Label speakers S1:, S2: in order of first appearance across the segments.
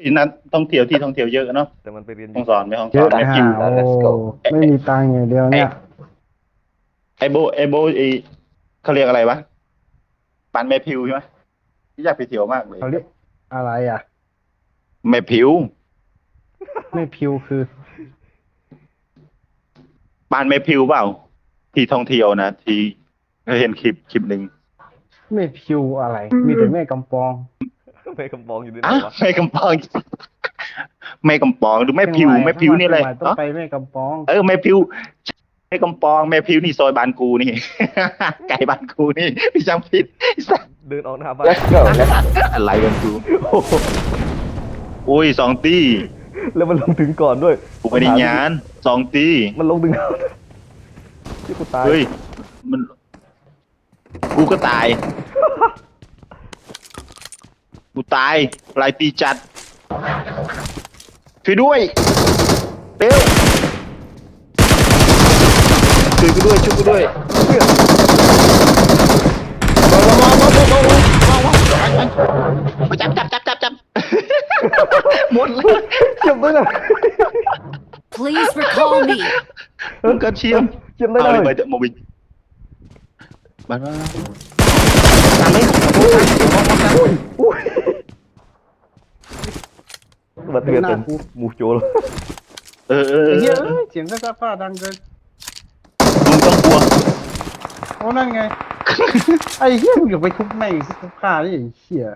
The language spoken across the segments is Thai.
S1: นั้นท่องเที่ยวที่ท่องเที่ยวเยอะเนาะ
S2: แต่มันไปเรียนอ
S1: ห้อยู่ งสอนไม่ห้อง
S3: เย
S1: สอ
S3: อะ
S1: นไม่พิ
S3: ห่าว โอ้
S4: Let's go
S3: ไม่มีตังค์อย่างเดียวเนี่ย
S1: ไอโบเขาเรียกอะไรวะปานแม่พิวใช่ไหมอยากไปเที่ยวมากเลย
S3: เขาเรียกอะไรอ่ะ
S1: แม่พิว
S3: ไม่พิวคือ
S1: ปานแม่พิวเปล่า ที่ท่องเที่ยวนะที่เคยเห็นคลิปหนึ่ง
S3: ไม่พิวอะไร มีแต่แม่กำปอง
S2: ไปกำปองอยู่ด้วย
S1: อ่ะ
S2: วะ
S1: แม่กำปองแม่กำปองหรือแม่พิวแม่พิวนี่อะไร
S3: เชียงใหม่ต้องไปแม่กำปอง
S1: แม่พิวแม่กำปองแม่พิวนี่ซอยบ้านกูนี่ ไก่บ้านกูนี่พี่จำผิด
S2: เดินออกหน้าบ้าน
S4: Let's go Let's go
S1: อะไรกันกู
S2: โอ้โห
S1: อุ้ย2 ตี
S2: แล้วมันลงถึงก่อนด้วย
S1: กูไม่ได้งาน2 ตี
S2: มันลงถึงก่อนที่กูตาย
S1: เฮ้ยมันกูก็ตายกูตายลายตีจัดช่วยด้วยเร็วช่วยกูด้วยมาจับหมดเลย
S2: เจ็บด้วยนะ
S5: Please recall me.
S1: ก็เชียม
S2: เจ็บได้
S1: เอา
S2: เล
S1: เลย
S2: ย
S1: ไปโมบิมาตามเลย
S2: บัดเตือนเป็นหมูโจร
S1: เออ
S3: ไอ้เหี้ยเอ้ยเสียงก็ซักผ้าดังเกิน
S1: มึงต้องกลัว
S3: โอ้นั่นไง ไอ้เหี้ยมึงอย่าไปทุบแม่งทุบผ้าดิไอ้เหี้ย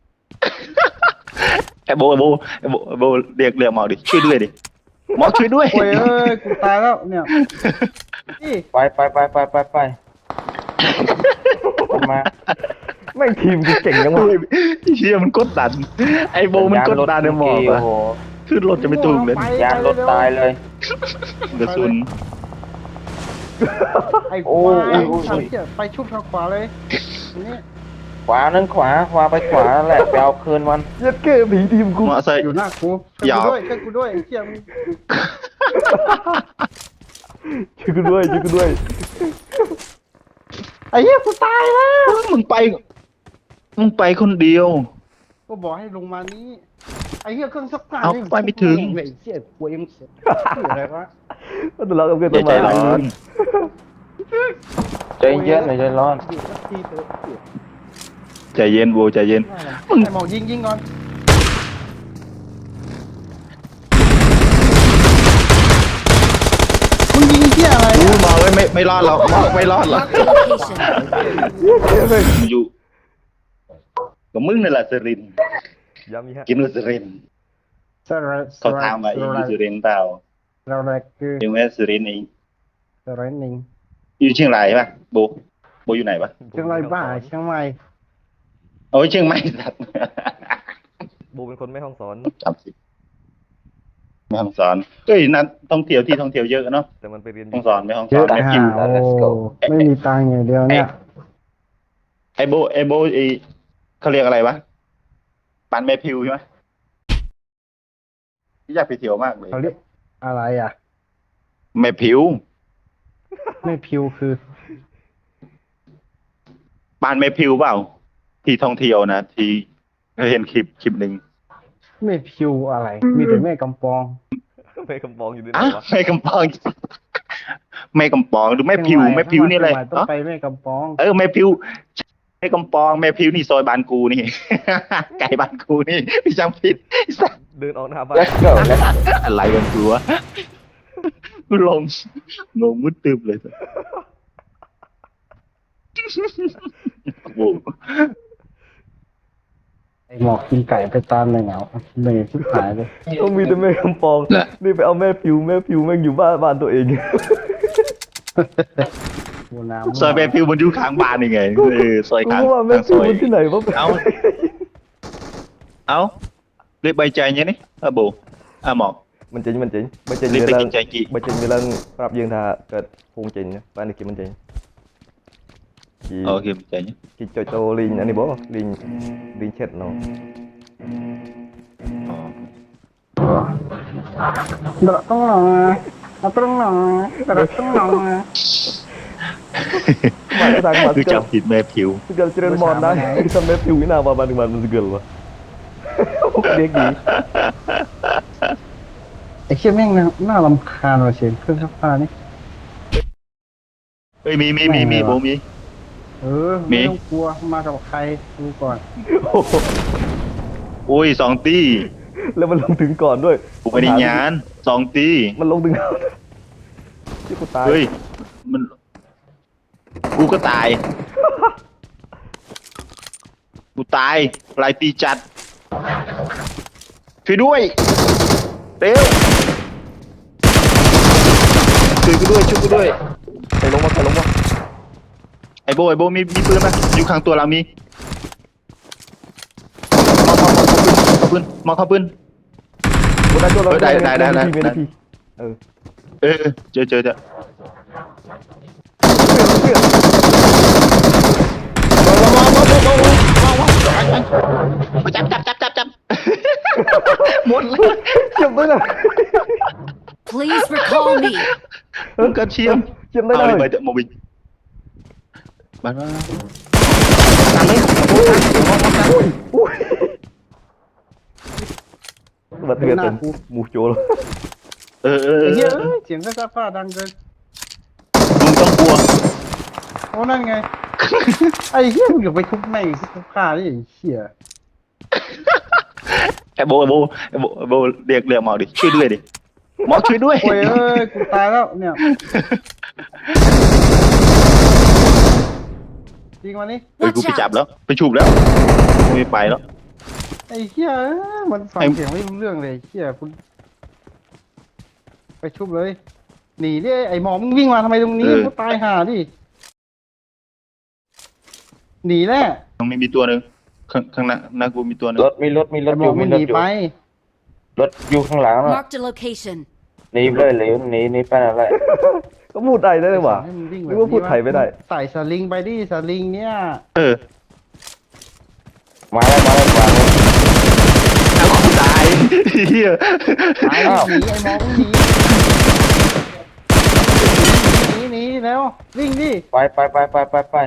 S1: ไอ้โบเรียกหมอดิช่วยด้วยดิหมอช่วยด้วย
S3: โอ้ยเอ้ยกูตายแล้วเนี่ยนี่
S4: ไปมา
S2: แม่งทีมกูเก่งยังวะ
S1: เชี่ยมันกดดัน ไอ้โบมันกดดันในหมอก
S4: โอ้
S1: อะ
S4: โห
S1: ขึ้นรถจะไม่ถูกเลย
S4: ยานรถตายเลย
S1: กระสุน
S3: ไอ้
S4: โอ้
S3: ควาย
S4: โอ้โอ้
S3: ไอ้เหี้ยไปชุบทางขวาเลยนี่
S4: ขวานั่นขวาไปขวาแหละไปเอาคืนมัน
S2: เย็ดเก้ผีทีมกู
S1: มอไซค์
S3: อยู่หน้ากูช่วยกูด้วยไอ้เหี้ยมึง
S2: ช่วยกูด้วย
S3: ไอ้เหี้ยกูตายแล้ว
S1: มึงไปคนเดียว
S3: ก็บอกให้ลงมานี้ไอ้เหี้ยเครื่องซักผ้า
S1: เอา
S3: นี่
S1: ไปไม่ถึง
S3: ไอ้เหี้ยกลัวยังเสียอะไรวะ
S2: มันทะเลาะกับเพื่อน
S1: อย่าใจ
S2: ต้นไม้
S1: ร้อน
S4: ใจเย็นหน่อยใจร้อน
S3: อยู่สักทีเถอะ
S1: ใจเย็นโบใจเย็น
S3: ไอ้หมอยิงก่อนมึงยิงเหี้ยอะไร
S1: อู้
S3: อะ
S1: หมอไม่รอดหรอกหมอไม่รอดหรอก
S5: Location.
S1: มันอยู่กับมึงนี่แหละสรินทร์
S2: ย้ำอีกฮะ
S1: กินว่าสรินทร์
S3: สระ
S1: เขาถามว่าอีอยู่สรินทร์เปล่า
S3: เราแรกคือ
S1: ยังไม่สรินทร์เอง
S3: สระหนึ่ง
S1: อยู่เชียงรายปะโบอยู่ไหนปะ
S3: เชียงรายบ้าเชียงใหม่
S1: โอ้ยเชียงใหม่สัตว์
S2: โบเป็นคนไม่ห้องสอน
S1: จำสิแม่ห้องสอนเอ้ยนัดท่องเที่ยวที่ท่องเที่ยวเยอะเนาะ
S2: แต่มันไปเรียนอ
S1: ห้อง
S2: ยู่
S1: สอนไม่ห้อง
S3: เย
S1: สอ
S3: อะ
S1: นไม่
S3: ห่า
S1: พิว
S3: โอ้ไม่มีตังค์อย่างเดียวเนี่ย
S1: ไอโบเขาเรียกอะไรวะปานแม่พิวใช่ไหมอยากไปเที่ยวมากเลย
S3: เขาเรียกอะไรอ่ะ
S1: แม่พิว
S3: ไม่พิวคือ
S1: ปานแม่พิวเปล่า ที่ท่องเที่ยวนะที่เคยเห็นคลิปหนึ่ง
S3: ไม่พิวอะไร มีแต่แม่กำปอง
S2: ไปกำปองอยู่ด้วย
S1: อ่ะ
S2: วะ
S1: แม่กำปองแม่กำปองหรือแม่พิวแม่พิวนี่อะไร
S3: เชียงใหม่ต้องไปแม่กำปอง
S1: แม่พิวแม่กำปองแม่พิวนี่ซอยบ้านกูนี่ ไก่บ้านกูนี่พี่จำผิด
S2: เดินออกหน้าบ้าน
S4: Let's go Let's go
S1: อะไรกันกูวะกูลงมุดตึบเลยโอ้
S3: ไอหมอกกินไก่ไปตามเลยเหงาเหนื่อยชิบหายเลย
S2: ต้องมีแต่แม่กำปองนี่ไปเอาแม่ผิวแม่งอยู่บ้านตัวเอง
S3: บัวน้ำ
S1: ซอยแม่พิวมันอยู่ข้างบ้านยังไงซอย
S2: กู
S1: ข้าง
S2: ก็ว่าแม่
S1: ข้างซ
S2: ผิว
S1: อย
S2: มันที่ไหนวะ
S1: เอาเรียกใบใจเนี้ยนี่โบหมอก
S2: มันจริง
S1: เรียก
S2: เว
S1: ไป
S2: ลา
S1: กินใจกี่
S2: มันจริงเวลารับยืนทาเกิดพุงจริงนะบ้านนี้กินมันจริงกี่
S1: โอเคใจเนี้ย
S2: กี่โจลิงอันนี้บ่ลิงเช็ดเนาะ
S3: เดาต้องหนอต้องหนอต้องหนอ
S2: มา
S1: คือจับผิดแม่พิว
S2: segala cerita mau nang kita map you ina apa banding banding segala เรียกดี
S3: ไอ้เชี่ยแม่งน่ารำคาญว่ะเสียงเครื่องซักผ้านี่
S1: เฮ้ยมีโบมี
S3: เออไม่ต้องกลัวมากับใครดูก่อน
S2: โอ้โห
S1: โอ้ย2 ตี
S2: แล้วมันลงถึงก่อนด้วย
S1: กูไม่ได้ยาน2 ตี
S2: มันลงถึงก่อนที่กูตาย
S1: เฮ้ยมันกูก็ตาย กูตายลายตีจัดช่วยด้วยเร็วช่วยกูด้วย
S2: ใครลงมา
S1: ไอโบมีปืนไหมอยู่ข้างตัวเรามีมาเข้าปืน
S2: กูได้ตัวเรา
S1: ได้
S2: มีนาทีเออ
S1: เจอจับหมดเลย
S2: เจ็บด้วยนะ
S5: Please recall me.
S1: กระเทียม
S2: เจ็บได้
S1: เอา
S2: เล
S1: เลย
S2: ย
S1: ไปเถอะโมบินมาตามเลย
S2: อุ้ยบัดเทือนเป็นหมูโจร
S1: เออ
S3: ไอ้เหี้ยเอ้ยเสียงเครื่องซักผ้าดังเกิน
S1: มึงต้องกลัว
S3: โอ้นั่นไง ไอ้เหี้ยมึงอย่าไปทุบแม่งซักผ้านี่ไอ้เหี้ย
S1: ไอโบเรียกหมอดิช่วยด้วยดิหมอช่วยด้วย
S3: โอ้ยเอ้ยกูตายแล้วเนี่ยจริงวันนี้
S1: เฮ้ยกูไปจับแล้วไปฉุบแล้วไม่ไปแล้ว
S3: ไอ้เหี้ยเอ้ยมันฟัง
S1: ไอ้
S3: เสียงไม่รู้เรื่องเลยไอ้เหี้ยคุณไปชุบเลยหนีดิไอ้หมอมึงวิ่งมาทำไมตรงนี้กูตายห่าดิหนีแน่
S1: ตรงนี้มีตัวหนึ่งข้างหน้ากูมีตัวหนึ่ง
S4: รถมีรถ
S3: ไอ้
S4: อ
S3: หมอยู่ มึ
S4: มี
S3: ง
S4: ร
S3: ห
S4: ถ
S3: นี
S4: อยู่
S3: ไป
S4: รถอยู่ข้างหลังน่ะ
S5: Marked a location.
S4: หนีเลยหรือหนีไปอะไร
S2: ก็พูดได้เลยว่ะ
S3: ให้มึงวิ่ง
S2: นึกว่าพูดไทยไม่ได้
S3: ใส่สลิงไปดิสลิงเนี่ย
S1: เออ
S4: มาแล้ว
S1: เอากูตายเฮีย
S3: ตาย
S4: อ้าว
S3: หนีไอ้หมอมึงหนีแล้ววิ่งดิ
S4: ไป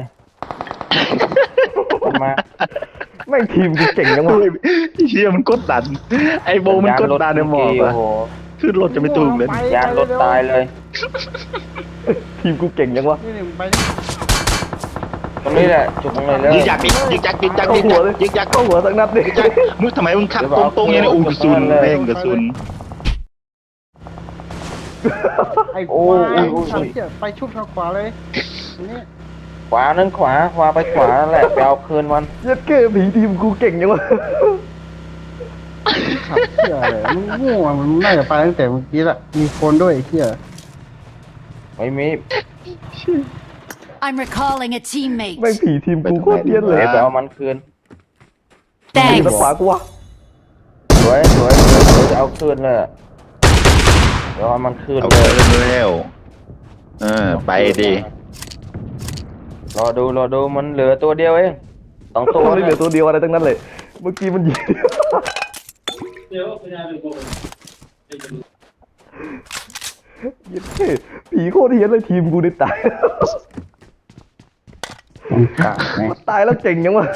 S4: มา
S2: แม่งทีมกูเก่งจังวะ
S1: เฮียมันกดดัน ไอโบมันกดดันในหมอก
S4: โอ้
S1: อะ
S4: โห
S1: ขึ้นรถจะไม่ถูกเลย
S4: ยางรถตายเลย
S2: ทีมกูเก่งจังวะ
S3: นี่มึงไปดิ
S4: ตรงนี้แหละจุดตรงนี้เลย
S1: ยิงยักษ์
S2: เข้าหัวเลย
S1: ยิงยักษ์
S2: เข้าหัวสักนัดดิ
S1: มึงทำไมมึงขับตรงๆอย่างนี้อู้กระสุนแม่งกระสุน
S3: ไอ้ควายทำเหี้ยไปชุบทางขวาเลยนี่
S4: ขวานั่นขวาไปขวานั่นแหละไปเอาคืนมัน
S2: เย็ดเก้ผีทีมกูเก่งจังวะ
S3: ขับเหี้ยอะไรมึงง่วงมันน่าจะไปตั้งแต่เมื่อกี้ละมีคนด้วยไอ้เหี้ย
S4: ไม่มี
S5: I'm recalling a
S2: แม่ง
S5: teammate.
S2: ผีทีมกูโคตรเทียนเลย
S4: เดี๋ยวไปเอามันคืน
S2: ทีม
S5: Thanks.
S2: ขวากูวะ
S4: สวยจะเอาคืนเลยอะเดี๋ยวเอามันคืน
S1: เอา
S4: เล
S1: เกิ
S4: ย
S1: นแล้วไปดิ
S4: รอดูมันเหลือตัวเดียวเอง2 ตัว
S2: มันไม่เหลือตัวเดียวอะไรทั้งนั้นเลย เมื่อกี้มันยิงเย็ดเก้ผีโคตรเทียนเลยทีมกูได้ตาย
S3: มันกะไง
S2: ตายแล้วเก่งยังวะ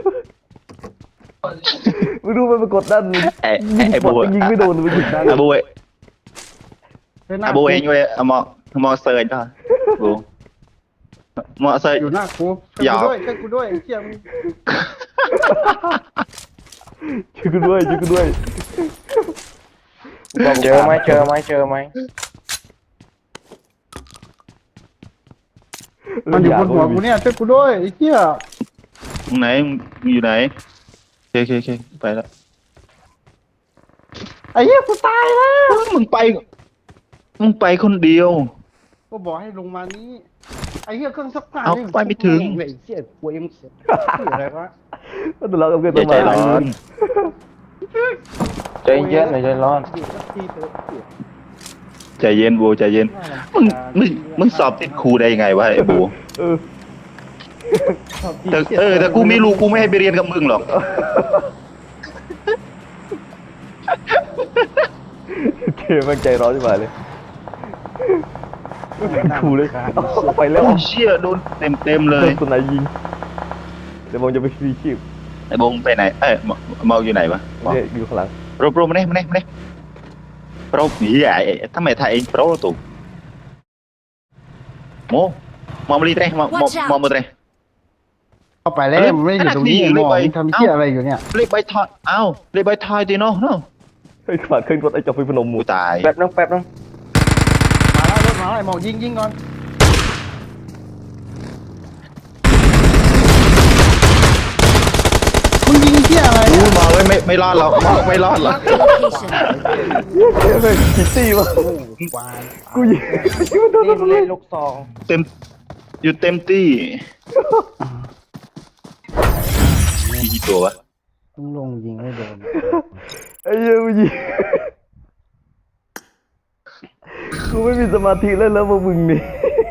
S2: ไม่รู้มันไปกดดันยิง
S1: ไอ้โบ
S2: ยิงไม่โดนมันยิงได้
S1: อาโบเอ
S3: เฮ้ยหน้า
S1: อาโบเองเว้ยเอาหมอเซิร์ชได้โบหมอเซิร์ช
S3: อยู่หน้ากู
S1: อย่า
S3: ช่วยกูด้วยไอ้เหี้ยมึง
S2: ช่วยกูด้วย
S4: เจอไหม
S3: มันอยู่บนหัวกูเนี่ยช่วยกูด้วยไอ้เหี้ย
S1: มึงไหนมึงอยู่ไหนโอเคไปแล้ว
S3: ไอ้เหี้ยกูตายแล้ว
S1: มึงไปคนเดียว
S3: ก็บอกให้ลงมานี้ไอ้เหี้ยเครื่องซักผ้า
S1: เอา
S3: นี่
S1: ไปไม่ถึง
S3: ไอ้เหี้ยกูเอ็มเสียอะไรวะ
S2: มันทะเลาะกับเพื่อน
S1: อย่าใจ
S2: ต้น
S1: ร้
S2: ไม้
S1: อน
S4: ใจเย็นหน่อยใจร้อน
S3: เดี๋ยวสักทีเถอะเหี้ย
S1: ใจเย็นโบใจเย็นมึงสอบติดครูได้ยังไงวะไอ้โบ
S2: เออ
S1: แต่กูไม่รู้กูไม่ให้ไปเรียนกับมึงหรอก
S2: เกมมันใจร้อนจังเลยขู่เลยไปแล้ว
S1: โอ้ยเชี่ยโดนเต็มเล
S2: โด
S1: ย
S2: นตัวไหนยิงเดี๋ยวผมจะไปฟรีชีพ
S1: ไอ้โบงไปไหนมองอยู่ไหนวะมอง
S2: เนี่ยอยู่ข้างหลัง
S1: โปรมาเนี่ยโปรนี่ทำไมไทยเองโปรตุโมมองมาลีเตะมองมาเตะ
S3: เข้าไปแล้วมันไม่ได้อยู่ตรงนี้มองทำเหี้ยอะไรอยู่เนี่ย
S1: เรียกใบทอยเรียกใบทอยตีเนาะ
S2: เฮ้ยขวาขึ้นรถไอ้เจ้าฟิพนมหมู
S1: กูตาย
S4: แป๊บนึง
S3: มาแล้วรถมาแล้วไอ้หมอกยิงก่อนมึงยิงเหี้ยอะไร
S1: กู
S3: เนี่ย
S1: มองเลยไม่รอดหรอกไม่รอดหรอก
S5: Location.
S2: เฮ้ยคิตตี้วะ
S3: วาย
S2: กูยิง
S4: นี่มันเล่นลูกซอง
S1: เต็มอยู่เต็มที่มีกี่ตัววะ
S3: ต้องลงยิงให้โดน
S2: ไอ้เหี้ยกูยิงกูไม่มีสมาธิเล่นแล้วพวกมึงนี่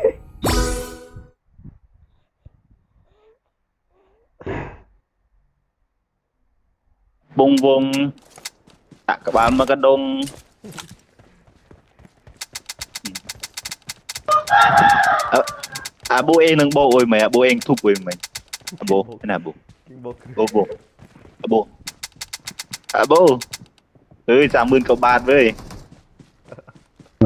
S1: วงตะกบาลมากระดงโบเองนึงโบโอ้ยไหมโบเองทุบโอ้ยไหมโบน่ะโบ
S2: กิงบอก
S1: โบเฮ้ย30,000 กว่าบาทเว้ย
S3: เลย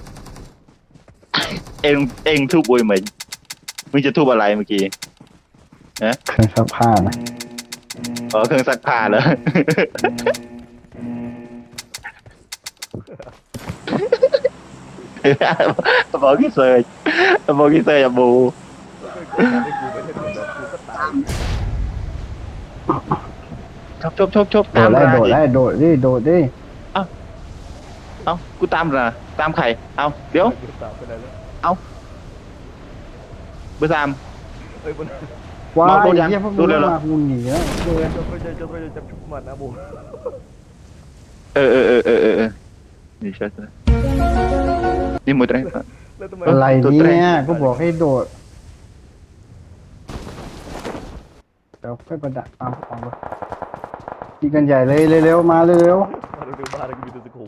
S1: เองทุบโอ้ยไหมมึงจะทุบอะไรเมื่อกี้
S3: เครื่องซักผ้านะ
S1: เครื่องซักผ้าเหรอ บอกกี่เซยอะบูชบ
S3: โดด
S1: ตาม
S3: ได้
S1: มา
S3: โดดได้โดดดิ
S1: กูตามนะตามใครเดี๋ยว
S2: ตามไปไหนแล้ว
S1: เบอร์ 3
S2: เฮ้ยมัน
S3: ว้าย
S1: โดนยัง
S3: เหี้ยพวก
S1: โด
S3: มึง
S1: นแล้วเหรอ
S3: มามึงหนีแล้ว
S2: จะไม่ใช่จับชุบมันนะโบ
S1: เออนี่ใช่นี่มือตรง
S2: แล้วทำไม
S3: อะไร
S1: ตัวแตร
S3: เนี่ยก็บอกให้โดดเดี๋ยวค่อยประดับตามของไปยิงกันใหญ่เลยเร็วๆมาเร็ว
S2: มาดูบ้านกูมีตัวสกู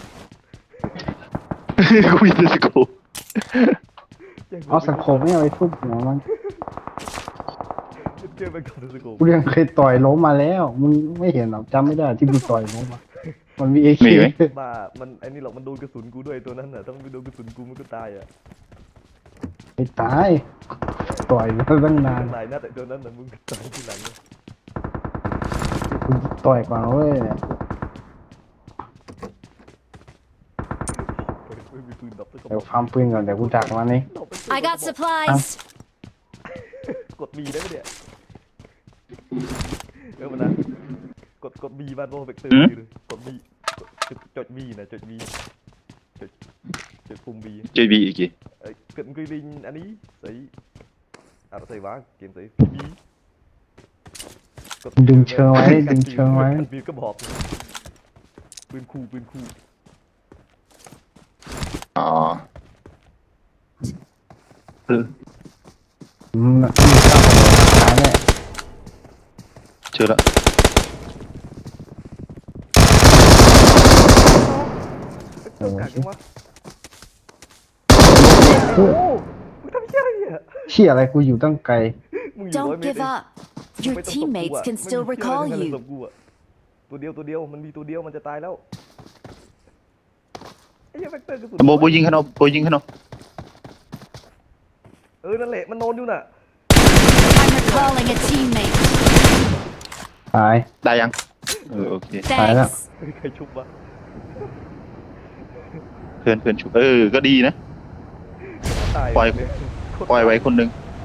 S1: กูมีแต่สกู
S3: ๆเอาสังคมไม่เอาไปทุบหัวมัน
S2: เจอไปก่อนตัวสกู
S3: กูยังเคยต่อยล้มมาแล้วมึงไม่เห็นหรอกจำไม่ได้ที่กูต่อยล้มมามันมีเอเค
S2: บ้ามันไอ้นี่หรอกมันโดนกระสุนกูด้วยตัวนั้นน่ะถ้ามันไม่โดนกระสุนกูมันก็ตายอ่ะ
S3: ไม่ตายต่อยมาตั้งนาน
S2: หลายนัดแต่ตัวนั้นน่ะมึงตายทีหลังเนี่ย
S3: กูต่อยก่อนเว้ย
S2: ไม่มีปืนดับสักกระบ
S3: เดี๋ยว
S2: อก
S3: ฟาร์มปืนก่อนเดี๋ยวกูดักมันนี่
S5: I got supplies.
S2: กดบีได้ไหมเนี่ยมันนะกดบีบ้านโบเวกเตอร์เลยกดบีจดบีนะจดบีจดปุ่มบี
S1: เจบีอีกกี่
S2: cận quy linh anh ý thấy thấy vá kiếm thấy bí
S3: ดึงเชิงไว้ดึงเชิงไว้
S2: มีกระบอกปืนคู่
S1: อ๋อ
S3: มีข้าวของขาเนี่ย
S1: เจอแล้ว
S2: cả cái mắt
S3: โอ้
S2: มึงทำเหี้ยอะไรเนี่ย
S3: เชี่ยอะไรกูอยู่ตั้งไกล
S2: มึงอยู่
S5: Don't give up. Your teammates can still recall you.
S2: ตัวเดียวมันมีตัวเดียวมันจะตายแล้วไอ้เหี้ยแฟกเตอร์กระสุน
S1: โบยิงขนม
S2: นั่นแหละมันนอนอยู่น่ะ
S5: I'm recalling a teammate.
S3: ตาย
S1: ได้ยังโอเค
S5: Thanks.
S2: ใครชุบวะ
S1: เพื่อนชุบก็ดีนะ
S2: ตาย
S1: ปล่อยไว้คนหนึ่ง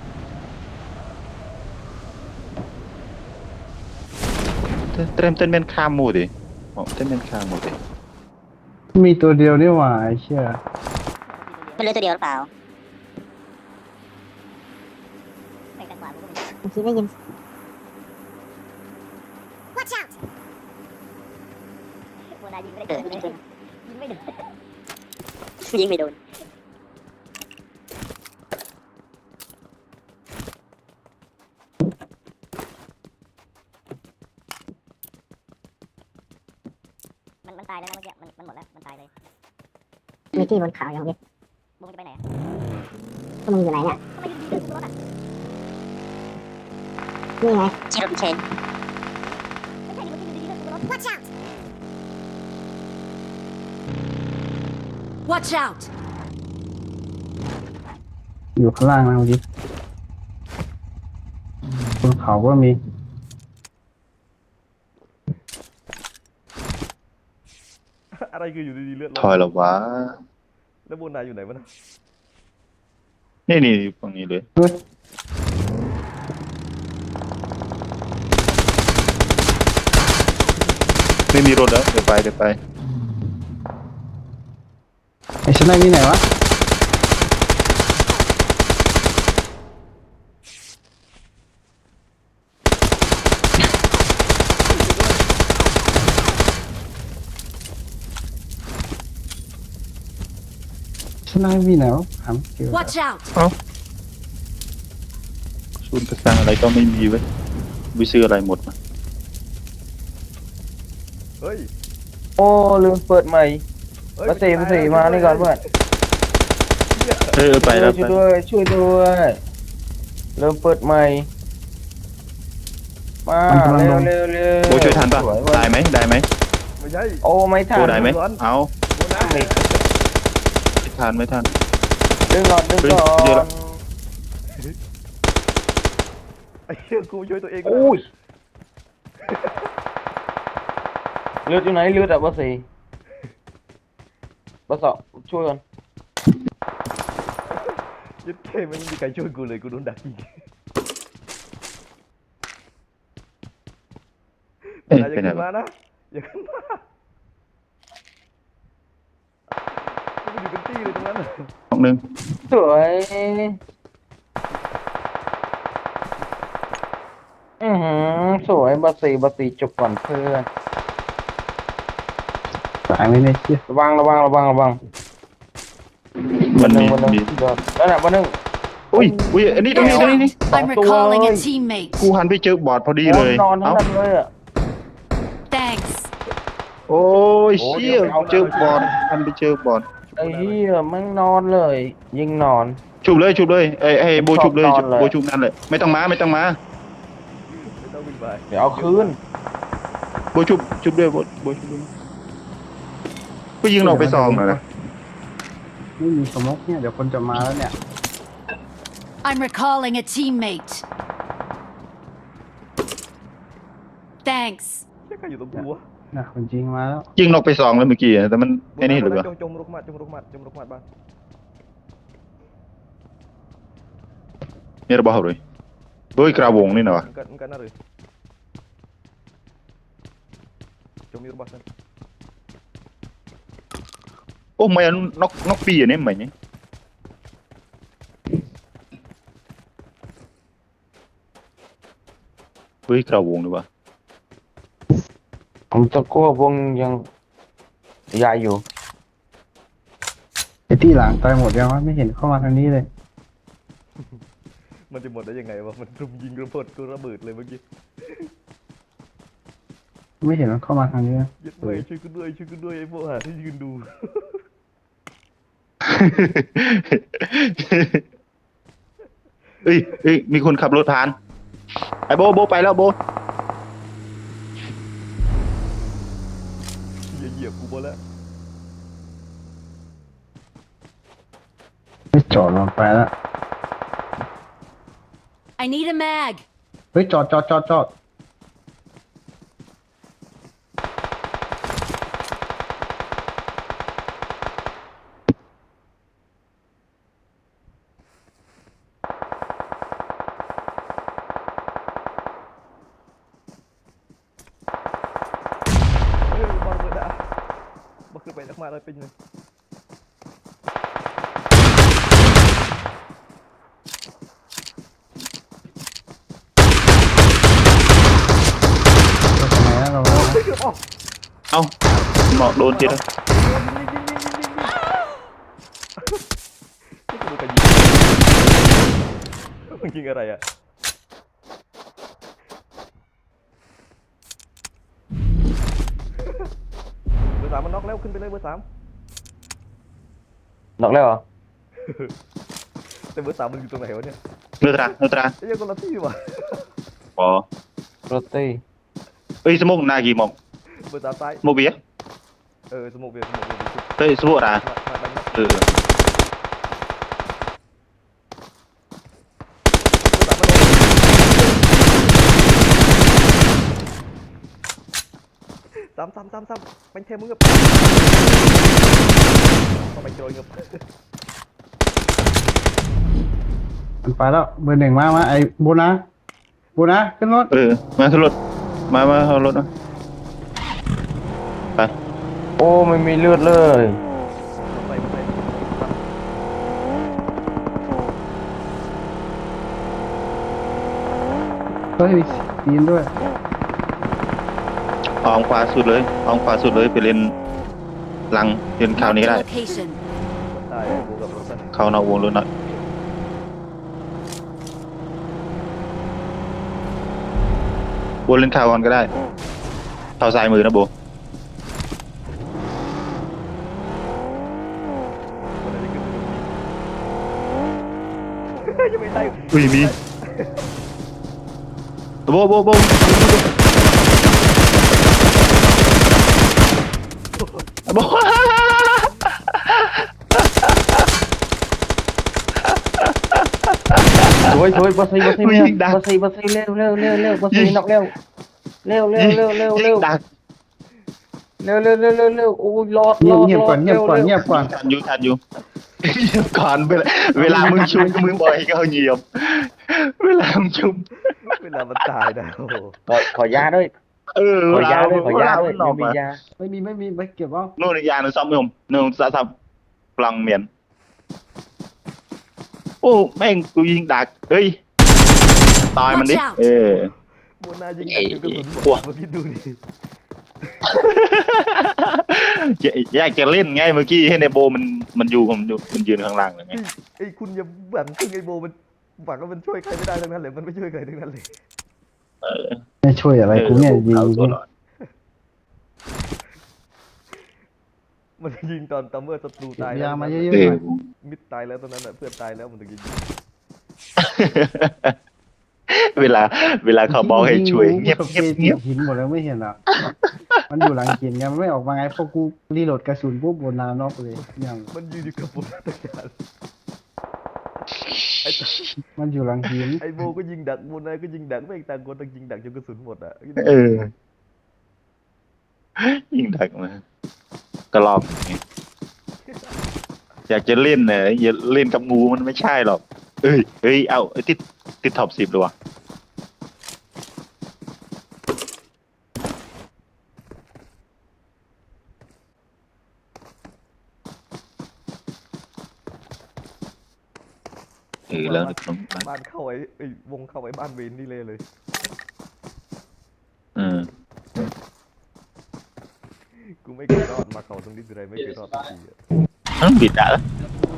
S1: เต้นเป็นข้ามหมูดิเต้นเป็นข้ามหมูดิ
S3: มีตัวเดียวนี่หว่าไอ้เชี่ย
S6: มันเหลือตัวเดียวหรือเปล่าไปทางขวาผมก็ไม่ได้ยิน Watch out โบนายิงไม่ได้ยิงไม่โดนยิงไม่โดนมันตายแล้วนะเมื่อกี้มันหมดแล้วมันตายเลยมีที่บนเขาอย่างนี้บุ้งจะไปไหนก็มึงอยู่ไหนเนี่ยทำไมอยู่ดีๆรถอ่ะนี่ไงชีรถเชน
S5: Watch out! Watch out!
S3: อยู่ข้างล่างนะเมื่อกี้บนเขาก็มี
S2: อะไรคืออยู่ดีๆเลือด
S1: ถอยแล้ววะ
S2: แล้วโบนายอยู่ไหนวะนะ
S1: นี่อยู่ฝั่งนี้เลย
S3: เฮ้ย
S1: ไม่มีรถแล้วเดี๋ยวไป
S3: ไอ้ชั้นในมีไหนวะชั้นในมีไหนวะถามเกี่ยว
S5: Watch out!
S1: ศูนย์กระสังอะไรก็ไม่มีไว้ไปซื้ออะไรหมดมา
S2: เฮ้ย
S4: โอ้ลืมเปิดใหม่
S2: เฮ้ย
S4: มาสี่มานี่ก่อนเพื่อน
S1: ไปแล้ว
S4: ช่วยด้วยช่วยด้วยเริ่มเปิดใหม่มาเร็ว
S1: โบช่วยทันปะ
S4: สวย
S1: ได้ไหม
S2: ไม่ใช่
S4: โอ้ไม่ทั
S1: โบ
S4: น
S1: ได้ไหมเอา
S2: โบนาย
S1: ไม่ทัน
S4: ดึงก่อน
S1: เฮ้ยเดี๋ยวละ
S2: ไอ้เหี้ยกูช่วยตัวเอง
S4: โอ้ยเลือดอยู่ไหนเลือดอะเบอร์สี่เบอร์สองช่วยก่อน
S2: ยึดเท่ไม่มีใครช่วยกูเลยกูโดนดักยิง
S1: เอ้ย
S2: นายอย่า
S1: ไปไหน
S2: ขึ้น
S1: วะ
S2: มานะอย่าขึ้นมามันอยู่เป็นตี้เลยตรงนั้นน่ะ
S1: ห้องนึง
S4: สวยสวยเบอร์สี่จบก่อนเพื่อน
S3: ตายไหมเนี่ยเชี่ย
S4: ระวัง
S1: มันมี
S4: วันหนึ่งเดี๋ยวนั่นแหละวันหนึ่ง
S1: อุ้ยอันนี้ตรงนี้
S5: I'm recalling a teammate.
S1: กูหันไปเจอบอร์ดพอดีเลย
S4: นอนทั้
S1: เอ้าง
S4: นั้นเลยอะ
S5: Thanks.
S1: โอ้ยเชี่ยเจอบอร์ดหันไปเจอบอร์ด
S4: ไอ้เหี้ยมันนอนเลย ยิงนอน
S1: ชุบเลยไอ้โบชุบเลย
S4: ชอบนอนเลย
S1: โบชุบนั่นเลยไม่ต้องมา
S2: ไม่ต้องวิ่งไป
S4: เดี๋ยวเอาคืน
S1: โบชุบด้วยโบชุบด้วยก็ยิงออกไปซองเลยนะ
S3: ไม่มีสมกเนี่ยเดี๋ยวคนจะมาแล้วเนี่ย
S5: I'm recalling a teammate. Thanks.
S2: เชี่ยใครอยู่ตรงกูวะ
S3: นะคนจริงมาแล้ว
S1: ยิงออกไปซองแล้วเมื่อกี้อะแต่มันไอ้นี่หรือเปล่า
S2: จงรุกมาบ้าง
S1: นี่ระเบิดเลยโดยกระวงนี่นะวะ
S2: มันกันน่าเลยจงมีรูปบ้าง
S1: โอ้ไม่เอานกปีอันนี้ไหมเนี่ยเฮ้ยกระวงหรือวะ
S4: ผมตะกั่ววงยังยายอยู่
S3: ไอ้ที่หลังตายหมดยังวะไม่เห็นเข้ามาทางนี้เลย
S2: มันจะหมดได้ยังไงวะมันรุมยิงระเบิดกูระเบิดเลยเมื่อกี้
S3: ไม่เห็นมันเข้ามาทางนี้นะ
S2: ยึดไปช่วยกูด้วยไอ้พวกหาที่ยืนดู
S1: เอ้ยมีคนขับรถผ่านไอ้โบไปแล้วโบ
S2: เหยียบกูหมดแล้ว
S3: ไม่จอดลงไปแล้ว
S5: I need a mag.
S3: เฮ้ยจอด
S2: เฮ้ยบอลเบิดอะบอลขึ้นไปนักมาเลยเป็นยัง
S3: ก็ทำไมนะเราแล้วนะ
S1: เอ้าหมอกโดนทีแล้ว
S2: มึงยิงอะไรอ่ะเบอร์สามมันน็อกแล้วขึ้นไปเลยเบอร์สาม
S4: นอกแล้วเหรอ
S2: แต่เบอร์สามมันอยู่ตรงไหนวะเนี่ย
S1: เนื้อตรา
S2: ไอ้ยังคนละที่ว่ะ
S1: อ๋อ
S4: โรตี
S1: เอ้ยสมองนากี่หมอก
S2: เบอร์ตามซ้าย
S1: โมเบีย
S2: สโมกเบียร์สโมกเบียร์
S1: เฮ้ยสมบูรณ์อ่ะ
S2: มาดังนะ
S1: เออ
S2: ซ้ำเป็นเทมึงกับเอาไปโจยกับ
S3: มันไปแล้วเบอร์หนึ่งมาไอ้โบนะขึ้นรถ
S1: เออมาขึ้นรถมาเอารถนะไป
S4: โอ้ไม่มีเลือดเลย
S2: ไป
S3: เฮ้ยปีนด้วย
S1: ออกขวาสุดเลยไปเล่นหลังเล่นข่าวนี้ก็
S5: Marked
S1: ได้
S5: a location.
S2: ได้กูกับรถนะ
S1: เข้านอกวงรถหน่อยโบเล่นข่าวก่อนก็ได้ข่าวซ้ายมือนะโบ
S2: คนไหนที่ขึ้นยังไม่ได้
S1: อุ้ยมีโบโบโบ
S4: ช่วยบอสซี่เร็วบอสซี่นอกเร็ว
S1: ดัก
S4: โอ้ยรอด
S3: เงียบก่อน
S1: ทันอยู่ทันอยู่เงียบก่อนเวลามึงชุบมึงบ่อยก็เงียบเวลามึงชุบ
S2: เวลามันตายนะโอ้โห
S4: ขอยาด้วย
S1: เวลา
S4: ขอยาด้วย
S1: หนอ
S4: ไม่
S1: ก
S4: มียา
S3: ไม่มีไปเก็บเอา
S1: นู่นอีกอย่างหนึงซ้อมยมนู่นซับพลังเมียนโอ้แม่งกูยิงดักเฮ้ยตายมันดิ
S5: Watch out
S2: โบนายิงกันจนกระสุนหมดมาคิดดูดิ
S1: อยากจะเล่นไงเมื่อกี้ให้ในโบมันอยู่มันยืนข้างล่างเลยไง
S2: ไอ้คุณอย่าหวังพึ่งไอ้โบมันหวังว่ามันช่วยใครไม่ได้ทั้งนั้นเลยมันไม่ช่วยใครทั้งนั้นเลย
S3: ไม่ช่วยอะไรกูเนี่ยยิง
S1: เอาตัวรอด
S2: มันยิงตอนตัมเมอร์ศัตรูตาย
S3: ยามาเย
S1: เอ
S3: อะๆห
S1: อ
S3: น่อย
S2: มิดตายแล้วตอนนั้นน่ะเพื่อนตายแล้วมันถึงจะยิง
S1: เวลาเขาบอกให้ช่วยเงียบ
S3: หินหมดแล้วไม่เห็นหรอมันอยู่หลังกินไงมันไม่ออกมาไงพอกูรีโหลดกระสุนปุ๊บบนนานอกเลยยัง
S2: มันยืนอยู่กับผมตะการไอ้
S3: มันอยู่หลังหิน
S2: ไอ้โบก็ยิงดักโบนายก็ยิงดักไม่ต่างคนต่างยิงดักจนกระสุนหมดอ่ะ
S1: เออยิงดักมากระลอกอย่างเงี้ยอยากจะเล่นเนี่ยอย่าเล่นกับงูมันไม่ใช่หรอกเอ้ยเอาติดท็อป 10เลยว่ะแล้ว
S2: บ้านเข้าไอ้วงเข้าไอ้บ้านเวนนี่เลย กูไม่เคยรอดมาเขาตรงนี้ทีไรไม่เคยรอดสักทีอ่ะ
S1: บิดđã đó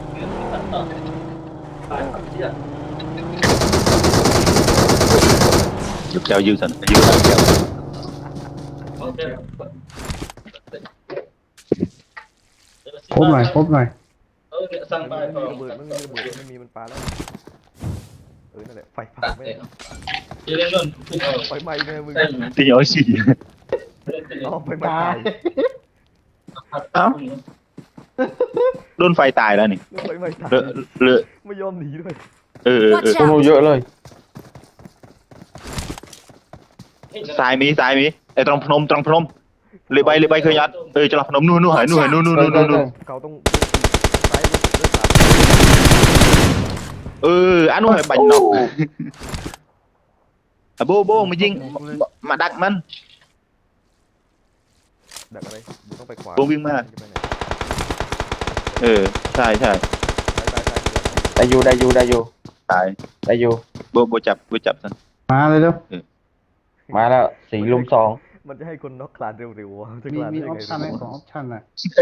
S1: giúp keo dư thành dư thành keo
S3: พบหน่อย
S2: มันมีระเบิดไม่มีมันปาแล้วนั่นแหละไฟป่าไม่ไฟไหม้แม่มึง
S1: thì nhỏ xì
S2: อ๋อไฟไหม้ตาย
S1: áo đôn phai tài đó nè
S2: ไฟไหม้ตาย
S1: lựa
S2: ไม่ยอมหนีด้วย
S5: Watch
S4: โอ้โห
S5: out!
S4: เยอะเลย
S1: xài mi ở trong phnom lệ bay khơi nhát cho là phnom nu hỏi nu
S2: เขาต้องซ้ายเลือดสาด
S1: anh hỏi bành nọc bô mà dinh mà đặtมัน
S2: ดักอะไรมึงต้องไปขวา
S1: โบวิ่งมา ใช่
S2: ตาย
S4: ได้อยู่
S1: ตาย
S4: ได้อยู่
S1: โบจับสัน
S3: มาเลยเร็ว
S4: มาแล้ว4 ลุม 2
S2: มันจะให้คนน็อกคลานเร็วๆวะจะค
S3: มี
S2: ลาน
S3: มี
S2: ได้
S3: ออปชั่นไหม
S2: ไง
S3: ของออปชั่นอ่ะ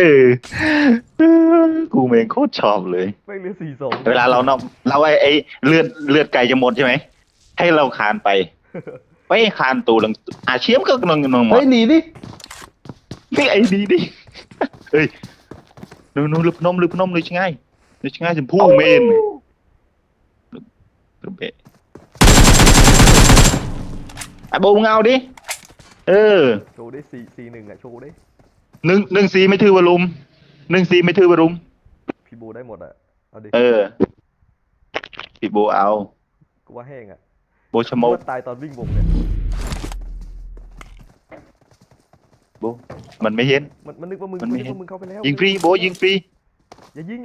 S1: กูเองโคตรชอบเลย
S2: ไม่เหลือ4-2
S1: เวลาเรานอกเราไอ้เลือดไก่จะหมดใช่ไหมให้เราคานไปไปคานตูหลังเชียมก็นองหมด
S3: เฮ้ยหนีดิ
S1: นี่ไอ้ดีดิเฮ้ยนูลึกนมเลยช่างง่ายจมพู่เมนลึกเบะไอ้โบมึงเอาดิเออ
S2: โชว์ได้4-1อ่ะโชว์ได้
S1: 1-4ไม่ถือว่าลุม1-4ไม่ถือว่ารุม
S2: พี่โบได้หมดอ่ะเอาดิ
S1: เออพี่โบเอา
S2: กูว่าแห้งอ่ะ
S1: โบชะโม
S2: กู
S1: ก
S2: ว่าตายตอนวิ่งวงเนี่ย
S1: โบมันไม่เห็น
S2: มันนึกว่ามึง
S1: มันไม่เห็น
S2: เข้าไปแล้ว
S1: ยิงฟรีโบยิงฟรี
S2: อย่ายิง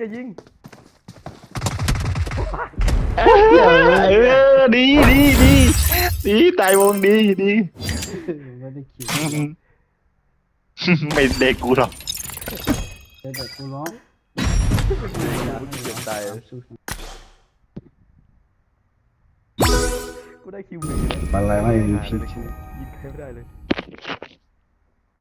S1: เออดีตายวงดี
S3: ไม่ได้คิด
S1: ไม่เด็กกูหรอก
S3: แต่กูร้อง
S2: มึงเกือบตายกูได้คิวหนึ่ง
S3: อะไรไม่มี
S2: ยิง
S3: พิษ
S2: ใครไม่ได้เลย